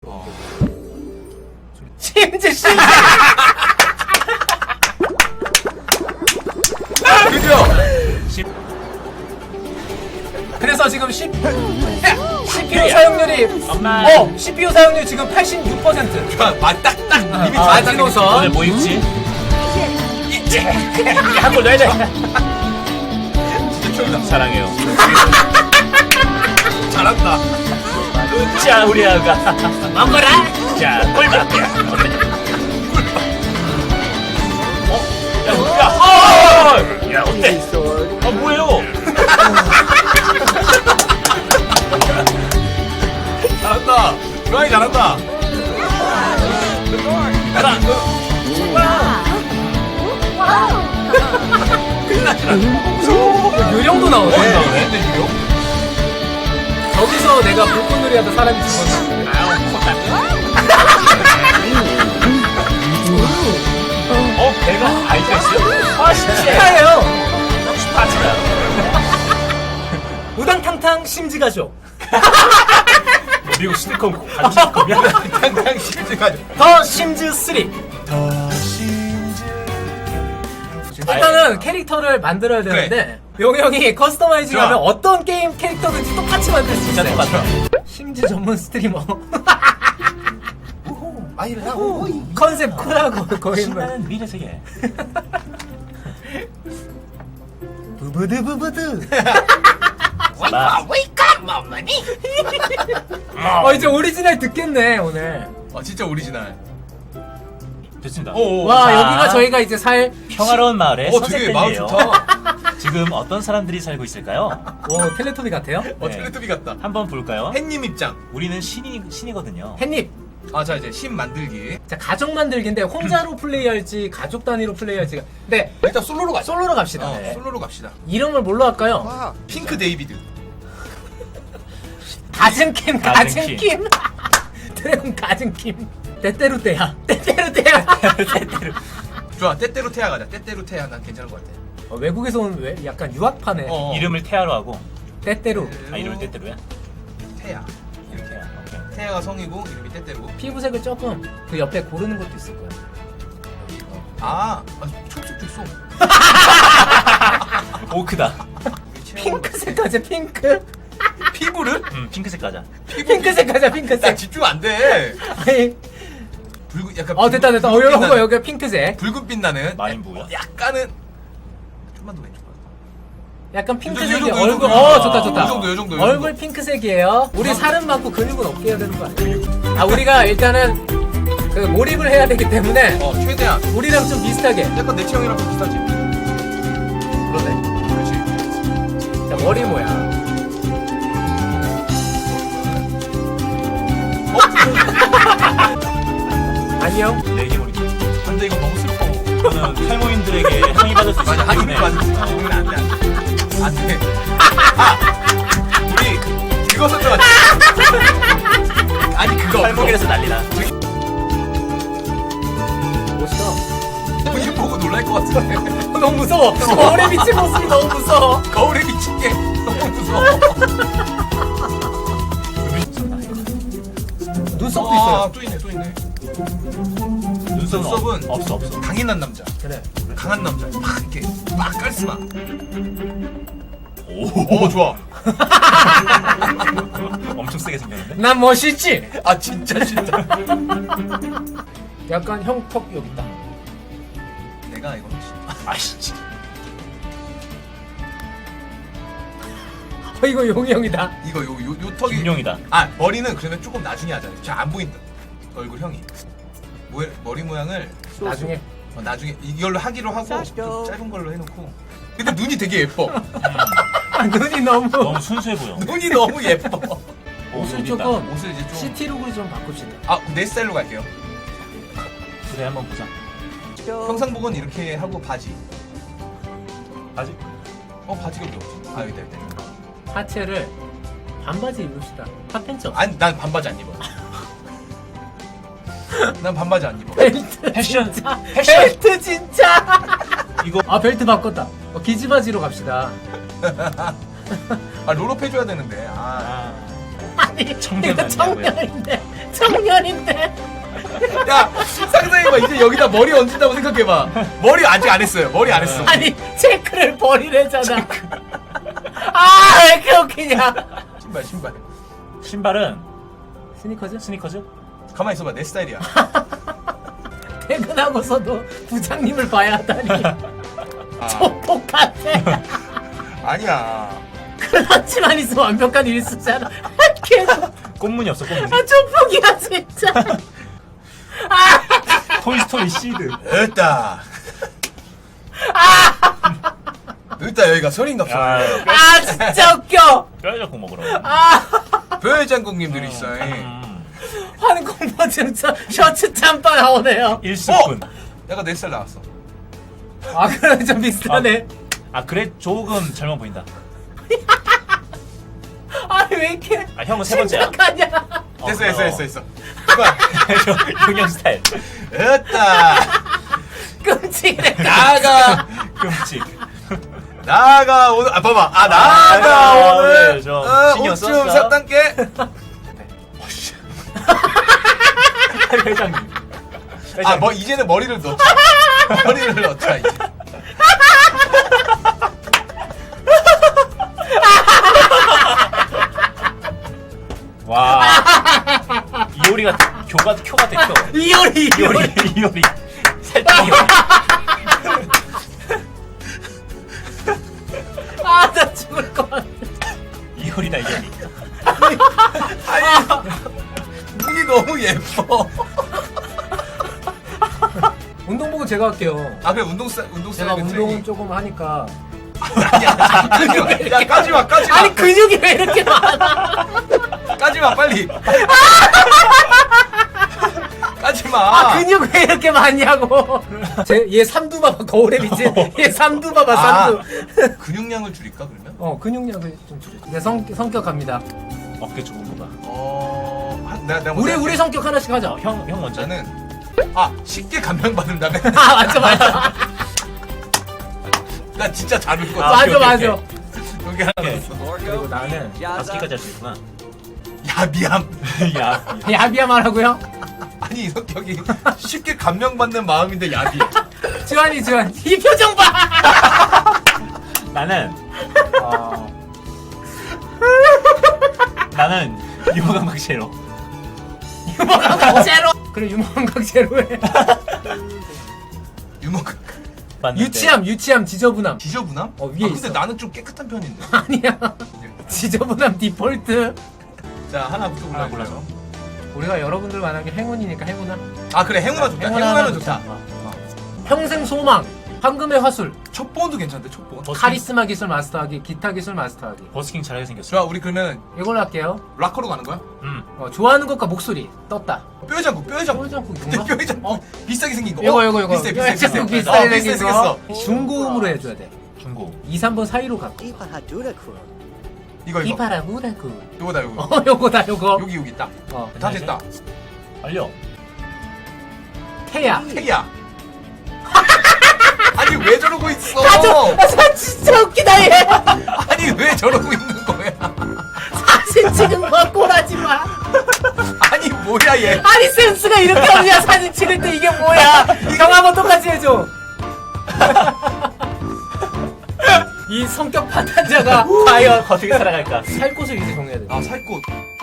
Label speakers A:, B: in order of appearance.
A: 심지 씨.
B: 그죠?
A: 그래서 지금 CPU 사용률이
C: 엄마.
A: CPU 사용률 지금 86%.
B: 딱딱 이미
A: 마지노선.
C: 오늘 뭐 입지?
B: 있지.
A: 하고 넣어야 돼.
B: 진짜
C: 사랑해요.
B: 잘한다.
C: 자, 우리 아가. 먹어라. 자, 꿀맛이야. 야, 어때? 뭐예요?
B: 잘한다. 주환이 잘한다.
C: 하나,
B: 큰일 났잖아.
A: 요령도 나오네.
B: 근데 유령?
A: 저기서 내가 불꽃놀이 하던 사람이 죽었는데.
C: 배가 아이가 있어요? 아, 진짜.
A: 축하해요.
C: 축하합니다.
A: 우당탕탕 심지가죠.
C: 미국 시트콤 같은 시트콤이야?
B: 당당 심지가지고.
A: 더 심즈 3. 일단은 캐릭터를 만들어야 되는데 용형이 커스터마이징
B: 좋아.
A: 하면 어떤 게임 캐릭터든지 똑같이 만들 수
C: 진짜
A: 있어요.
C: 똑같아.
A: 심즈 전문 스트리머.
B: 아이를 하고.
A: 컨셉 쿨하고 거의 뭐
C: 신나는 미래 세계.
A: 부부드. 이제 오리지널 듣겠네 오늘.
B: 진짜 오리지널.
C: 됐습니다.
A: 와
C: 자,
A: 여기가 저희가 이제 살
C: 평화로운 마을의
B: 되게 마음
C: 선생님이에요.
B: 좋다.
C: 지금 어떤 사람들이 살고 있을까요?
A: 오 텔레토비 같아요?
C: 네.
B: 텔레토비 같다.
C: 한번 볼까요?
B: 햇님 입장.
C: 우리는 신이거든요.
A: 햇님.
B: 자 이제 신 만들기.
A: 자 가족 만들기인데 혼자로 플레이할지 가족 단위로 플레이할지. 네
B: 일단 솔로로 가자.
A: 솔로로 갑시다.
C: 네.
B: 솔로로 갑시다.
A: 이름을 뭘로 할까요?
B: 핑크 데이비드.
A: 가증킴. 드래곤 가증킴. 때때로 때야.
C: 때때로.
B: 좋아. 때때로 태야 가자. 때때로 태야 난 괜찮을 것 같아.
A: 외국에서 온 왜 약간 유학파네.
C: 이름을 태아로 하고.
A: 때때로.
C: 아, 이름을 때때로야?
B: 태야.
C: 태아. 오케이.
B: 태야가 성이고 이름이 때때로.
A: 피부색을 조금 그 옆에 고르는 것도 있을 거야.
B: 초록색도 있어.
C: 오크다.
A: 핑크색 가자 핑크.
B: 피부를?
C: 핑크색 가자.
A: 핑크색 가자
B: 야
A: 핑크색.
B: 집중 안 돼.
A: 아니,
B: 붉은 약간.
A: 됐다. 여기 핑크색.
B: 붉은빛 나는.
C: 마인부야?
B: 약간은 좀만 더 왼쪽.
A: 약간 핑크색이
B: 요 정도,
A: 얼굴.
B: 요 정도.
A: 좋다.
B: 요 정도.
A: 얼굴 핑크색이에요. 우리 살은 많고 근육은 없게 해야 되는 거 아니야? 우리가 일단은 그 몰입을 해야 되기 때문에
B: 최대한.
A: 우리랑 좀 비슷하게.
B: 약간 내 취향이랑 좀 비슷하지.
A: 그러네.
B: 그렇지.
A: 자 머리 모양. 안녕.
C: 내게 머리.
B: 근데 이거 너무 슬퍼.
C: 이거는 탈모인들에게 항의받을 수 있기
B: 맞아.
C: 때문에.
B: 이건 안 돼. 안 돼. 우리 그거 설정하자. 아니 그거.
C: 탈모길에서 난리나.
A: 멋있다.
B: 본인 보고 놀랄 것 같은데.
A: 너무 무서워. 거울에 비친 모습이 너무 무서워.
B: 거울에 비친 게 너무 무서워.
A: 눈썹도 있어요.
B: 또 있네.
C: 눈썹은
B: 눈썹은
C: 없어.
B: 강인한 남자.
A: 그래.
B: 강한 남자. 막 이렇게 막 깔스마.
C: 오,
B: 좋아.
C: 엄청 세게 생겼는데?
A: 난 멋있지.
B: 진짜.
A: 약간 형 턱 여기 있다.
B: 내가 이거
C: 아이씨.
A: 이거 용이 형이다.
B: 이거 요 턱이.
C: 김용이다.
B: 머리는 그러면 조금 나중에 하자. 잘 안 보인다. 얼굴 형이. 머리 모양을
A: 나중에.
B: 나중에 이걸로 하기로 하고 좀 짧은 걸로 해놓고. 근데 눈이 되게 예뻐.
A: 눈이 너무.
C: 너무 순수해 보여.
B: 눈이 너무 예뻐.
A: 옷을
C: 여기 있다.
A: 조금
B: 옷을 이제 좀.
A: 시티룩으로 좀 바꿉시다.
B: 내 스타일로 갈게요.
C: 그래, 한번 보자.
B: 평상복은 이렇게 하고 바지.
C: 아직?
B: 바지가 왜 없지? 여기다.
A: 하체를 반바지 입읍시다. 핫팬츠 없어.
B: 아니 난 반바지 안 입어. 난 반바지 안 입어.
A: 벨트
C: 패션.
A: 진짜.
C: 패션.
A: 벨트 진짜.
C: 이거
A: 벨트 바꿨다. 기지바지로 갑시다.
B: 롤업 해줘야 되는데.
A: 아니
C: 청년
A: 이거
C: 아니냐고요?
A: 청년인데 청년인데.
B: 야 상상해봐. 이제 여기다 머리 얹는다고 생각해봐. 머리 아직 안 했어요. 머리 안 했어.
A: 아니 체크를 버리래잖아. 아 왜 이렇게 웃기냐.
B: 신발.
C: 신발은
A: 스니커즈?
C: 스니커즈?
B: 가만히 있어봐. 내 스타일이야.
A: 퇴근하고서도 부장님을 봐야 하다니.
B: 아,
A: 조폭 같아.
B: 아니야.
A: 클러치만 있으면 완벽한 일수잖아. 계속
C: 꽃무늬 없어 꽃무늬.
A: 아 조폭이야 진짜.
C: 토이스토리 시드.
B: 됐다. 됐다. 여기가 선인갑서.
C: 야,
A: 아 진짜 웃겨.
C: 뼈해장국 먹으러.
B: 뼈해장국님들이 있어.
A: 환공 버튼 셔츠 잠바 나오네요.
C: 일수꾼.
B: 약간 내 스타일 나왔어.
A: 아 그래 좀 비슷하네.
C: 아 그래 조금 젊어 보인다.
A: 아니 왜 이렇게
C: 아 형은 세 번째야.
A: 심각하냐.
B: 됐어. 이봐.
C: 용영 스타일.
B: 됐다.
A: 끔찍해.
B: 나가.
C: 끔찍.
B: 나가 오늘. 아 봐봐. 나가
C: 아,
B: 오늘.
C: 네, 좀 신경
B: 옷 좀
C: 썼어?
B: 샀단께.
C: 회장님.
B: 아 뭐 이제는 머리를 넣자. 머리를 넣자 이제.
C: 와. 이효리가 교 같아 교.
A: 이효리.
C: 이효리. 살짝 이효리.
A: 아나 죽을 것 같아.
C: 이효리다 이효리.
B: 눈이 너무 예뻐.
A: 운동복은 제가 할게요.
B: 아 그래 운동
A: 제가
B: 스타일
A: 운동은 조금 하니까.
B: 야 까지마.
A: 아니 근육이 왜 이렇게 많아?
B: 까지마 빨리. 까지마.
A: 아 근육 왜 이렇게 많냐고. 얘 삼두 봐봐 거울에 비친. 얘 삼두 봐봐 삼두.
B: 근육량을 줄일까 그러면?
A: 근육량을 좀 줄여. 내 성격 갑니다.
C: 어깨 좁은 거다.
B: 내가
A: 우리 성격 하나씩 하자.
C: 형 먼저.
B: 저는 쉽게 감명받는다면
A: 아 맞아.
B: 나 진짜 잘 울거든.
A: 맞아.
B: 여기 하나
C: 오케이.
B: 있어.
C: 그리고 나는 5개까지 할 수 있구나.
B: 야 미안.
C: 야.
A: 야비야만 하고요.
B: 아니 성격이 쉽게 감명받는 마음인데 야비.
A: 주환이 이 표정 봐.
C: 나는 나는 유머감각 제로.
A: 유머감각 제로. 그래 유머감각 제로해.
B: 유머
C: 맞는데.
A: 유치함 지저분함.
B: 지저분함?
A: 위에
B: 근데
A: 있어.
B: 나는 좀 깨끗한 편인데.
A: 아니야. 지저분함 디폴트.
B: 자 하나부터
C: 하나
B: 골라줘.
C: 골라줘.
A: 우리가 여러분들 만약에 행운이니까 행운아.
B: 아 그래 행운아 좋다.
A: 행운아
B: 행운아는
A: 하나
B: 좋다.
A: 평생 소망. 황금의 화술.
B: 촉본도 괜찮대 촉본.
A: 카리스마 기술 마스터하기. 기타 기술 마스터하기.
C: 버스킹 잘하게 생겼어.
B: 좋아 우리 그러면
A: 이걸로 할게요.
B: 락커로 가는 거야?
A: 좋아하는 것과 목소리 떴다.
B: 뼈해장국.
A: 뼈해장국
B: 근데
A: 뭔가?
B: 뼈해장국 비싸게 생긴 거.
A: 이거.
B: 비싸게
A: 뼈해장국
B: 비싸게
A: 비싸게 생긴 거.
B: 생겼어.
A: 중고음으로 해줘야 돼.
C: 중고.
A: 2, 3번 사이로 갖고.
B: 이거
A: 이파라 무라구.
B: 요거다 요거.
A: 요거다 요거.
B: 여기 딱.
A: 어.
B: 다 됐다.
C: 알려.
A: 태야.
B: 태기야. 아니 왜 저러고 있어?
A: 진짜 웃기다 얘.
B: 아니 왜 저러고 있는 거야?
A: 사진 찍은 거 꼴하지 마.
B: 아니 뭐야 얘?
A: 아니 센스가 이렇게 없냐 사진 찍을 때 이게 뭐야? 형 한번 똑같이 해줘. 이 성격 파탄자가 과연
C: 어떻게 살아갈까?
A: 살 곳을 이제 정해야 돼.
B: 살 곳.